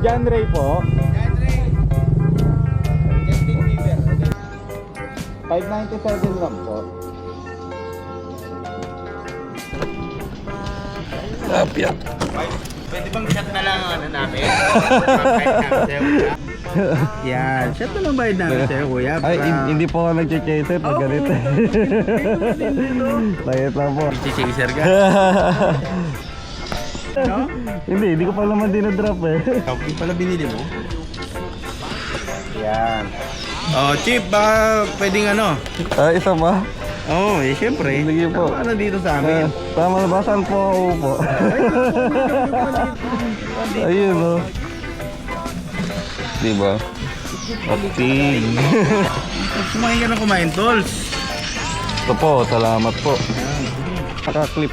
John Ray po. 597 lang po. Lapya. Pwede bang shot na lang ang ano namin? Yan, shot na lang bayad namin sa'yo kuya. Ay, hindi po ako nag-chaser pag ganito. Layet lang po. Chaser ka? No? Hindi ko pa naman dinadrop eh. Yung pala binili mo? Yan. Oh, Chip, baka pwedeng ano? Isa pa? Oo, eh syempre. Sige po. Ano dito sa amin? Tama na ba? Saan po ako po? Ayun o. Diba? Okay. Kumain ka na kumain, Tols. Ito po, salamat po. Naka-clip.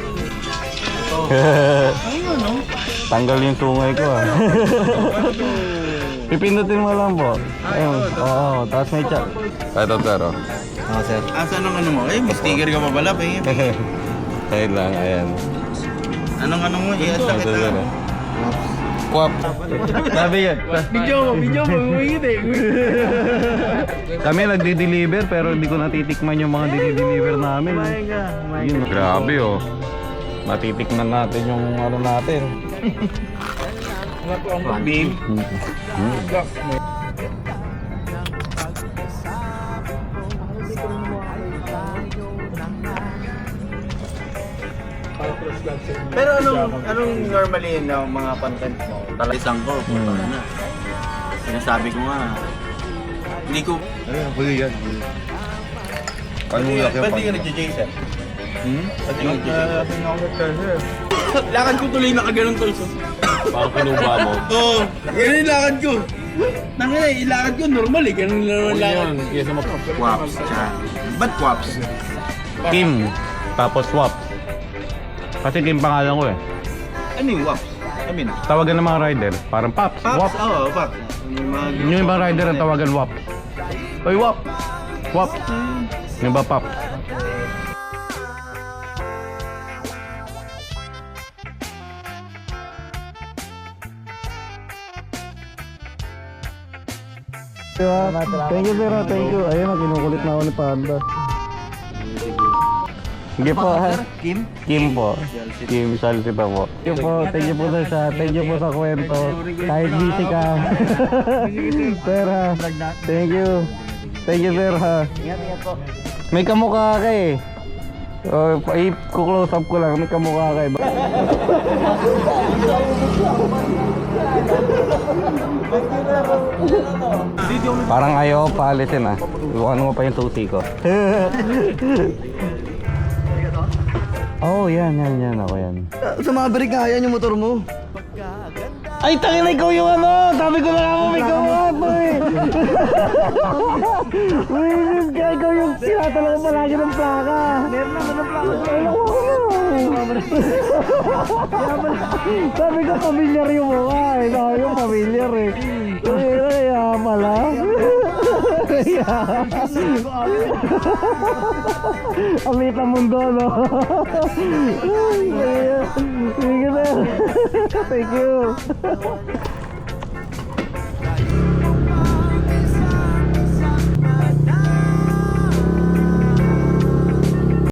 Ayun, no? Tanggal yung tungay ko ah. Pipindutin mo lang po. Ayun. Oo, tapos may chat. Ito sir. Oo sir. Asan ang ano mo? Eh, may sticker ka pa pala, pahingin. Ayun lang, ayan. Anong ano mo? I-asta Ito kita. sir. Kwap. Sabi yan. Video mo, umingit eh. Kami nagdi-deliver pero hindi ko natitikman yung mga dinideliver namin. Yun, grabe oh. Matitikman natin yung ano natin. Beam. Pero anong normally na mga content mo? Talagang ko, na. Sinasabi ko nga, hindi ko... Ayun, huli yan. Panulak yung Ba't di ka nag-Jason? Ba't di ka nag-Jason? Lakad ko tuloy nakaganon tolso. Parang kinuba mo. Oo, ganun yung lakad ko. Nangina, ilakad ko normal eh, ganun lang ang lakad. Kesa mo. Quaps, siya. Ba't Quaps? Kim, tapos swap. Kasi Kim pangalan ko eh. Ano yung Quaps? I mean, Tawagan ng mga rider, parang Pops, Pops? Wap. Oo, Pops. Yung ibang rider ang tawagan Wap. Oy, Wap! Wap! Yung ba Pop? Diba? Thank you sir, thank you. Ayun, kinukulit na ako ni Panda. Sige po ha. Kim? Kim po. Kim Salsita po. Thank you po sa thank you po sa kwento. Kahit busy ka. Sir ha. Thank you. Thank you sir ha. Ingat po. May kamukha ka eh. I-close up ko lang. May kamukha ka eh. Parang ayaw paalisin ah. Iwanan mo pa yung susi ko. Oh, yan. Ako yan. Sa mga break nga, yan yung motor mo. Ay, tangin na ikaw yung ano! Sabi ko na nga mo may kamukha to eh! Wisis ka, ikaw yung sinatala ko palagi ng plaka! Meron naman ng plaka. Ay, naku Sabi ko familiar yung mukha eh. Sabi ko familiar eh. Kaya pala. Amita mundo no. Sige sir. Thank you.